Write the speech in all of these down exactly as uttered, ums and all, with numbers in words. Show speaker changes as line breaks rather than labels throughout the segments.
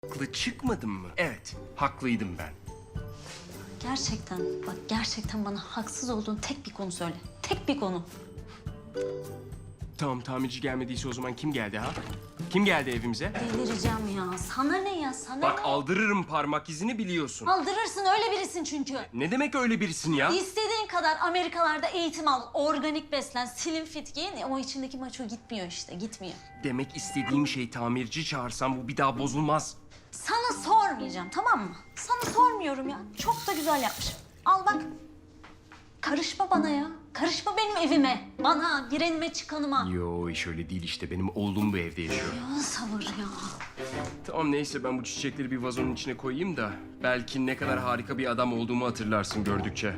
Haklı çıkmadın mı? Evet, haklıydım ben.
Gerçekten bak gerçekten bana haksız olduğun tek bir konu söyle. Tek bir konu.
Tamam, tamirci gelmediyse o zaman kim geldi ha? Kim geldi evimize?
Delireceğim ya. Sana ne ya sana
Bak
ne?
aldırırım parmak izini biliyorsun.
Aldırırsın öyle birisin çünkü.
Ne demek öyle birisin ya?
İstediğin kadar Amerikalarda eğitim al, organik beslen, slim fit giyin ama içindeki maço gitmiyor işte, gitmiyor.
Demek istediğim şey tamirci çağırsam bu bir daha bozulmaz.
Sana sormayacağım tamam mı? Sana sormuyorum ya. Çok da güzel yapmışım. Al bak. Karışma bana ya. Karışma benim evime. Bana, girenime, çıkanıma.
Yo iş öyle değil işte, benim oğlum bu evde yaşıyor.
Ya sabır ya.
Tamam neyse, ben bu çiçekleri bir vazonun içine koyayım da belki ne kadar harika bir adam olduğumu hatırlarsın gördükçe.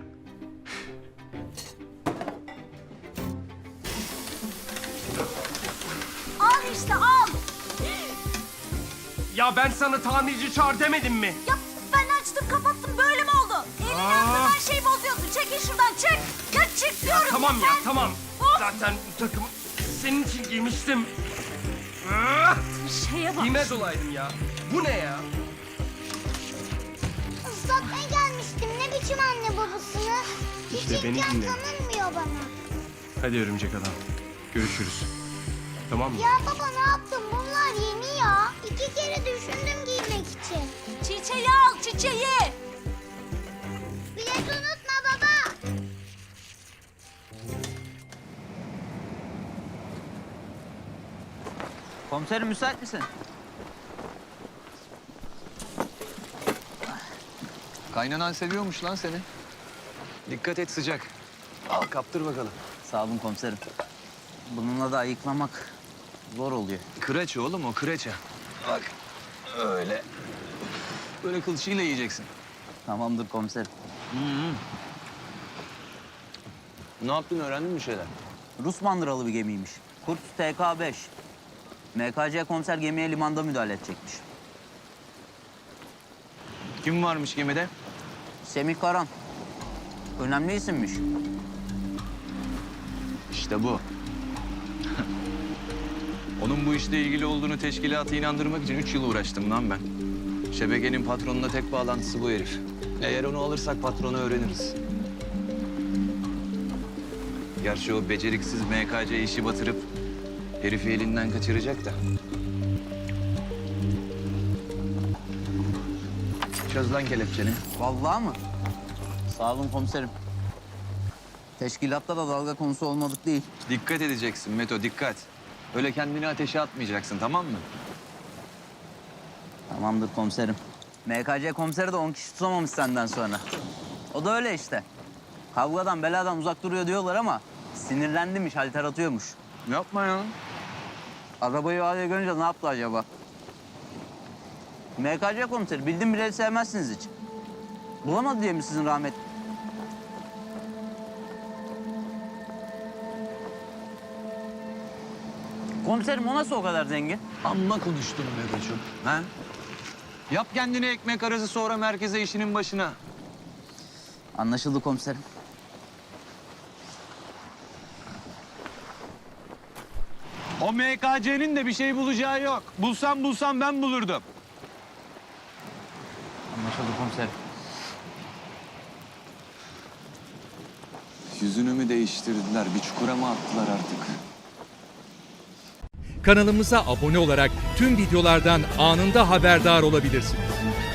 Al işte al.
Ya ben sana tamirci çağır demedim mi?
Ya ben açtım kapattım böyle mi oldu? Evin
Aa.
yanında her şeyi bozuyorsun. Çekil şuradan çık. Ya çık diyorum.
Tamam ya
sen.
tamam.
Of.
Zaten bu takımı senin için giymiştim. Ah!
Şeye bak.
Giymez olaydım ya. Bu ne ya?
Islatmaya gelmiştim. Ne biçim anne babasını?
İşte
Hiç
beni
imkan
dinle.
tanınmıyor bana.
Hadi örümcek adam. Görüşürüz. Tamam mı?
Ya baba ne yaptın? Bunlar yeni ya. İki kere düşündüm giymek için.
Çiçeği al çiçeği.
Bilet unutma baba.
Komiserim müsait misin?
Kaynanan seviyormuş lan seni. Dikkat et, sıcak. Al kaptır bakalım.
Sağ olun komiserim. Bununla da ayıklamak zor oluyor.
Kıraç oğlum o, kıraça. Bak öyle. Böyle kılçığıyla yiyeceksin.
Tamamdır komiserim.
Ne yaptın, öğrendin mi bir şeyler?
Rus mandıralı bir gemiymiş. Kurt T K beş. M K C komiser gemiye limanda müdahale edecekmiş.
Kim varmış gemide?
Semih Karan. Önemli isimmiş.
İşte bu. Onun bu işle ilgili olduğunu teşkilatı inandırmak için üç yıl uğraştım lan ben. Şebekenin patronuna tek bağlantısı bu herif. Eğer onu alırsak patronu öğreniriz. Gerçi o beceriksiz M K C işi batırıp herifi elinden kaçıracak da. Çöz lan kelepçeni.
Vallahi mı? Sağ olun komiserim. Teşkilatta da dalga konusu olmadık değil.
Dikkat edeceksin Meto, dikkat. Öyle kendini ateşe atmayacaksın, tamam mı?
Tamamdır komiserim. M K C komiseri de on kişi tutamamış senden sonra. O da öyle işte. Kavgadan beladan uzak duruyor diyorlar ama sinirlendimiş, halter atıyormuş.
Yapma ya.
Arabayı o hale görünce ne yaptı acaba? M K C komiseri bildim bileli sevmezsiniz hiç. Bulamadı diye mi sizin rahmet? Komiserim o nasıl o kadar zengin?
Amma konuştun Meto'cum. Ha? Yap kendine ekmek arası, sonra merkeze işinin başına.
Anlaşıldı komiserim.
O M K C'nin de bir şey bulacağı yok. Bulsam bulsam ben bulurdum.
Anlaşıldı komiserim.
Yüzünü mü değiştirdiler, bir çukura mı attılar artık?
Kanalımıza abone olarak tüm videolardan anında haberdar olabilirsiniz.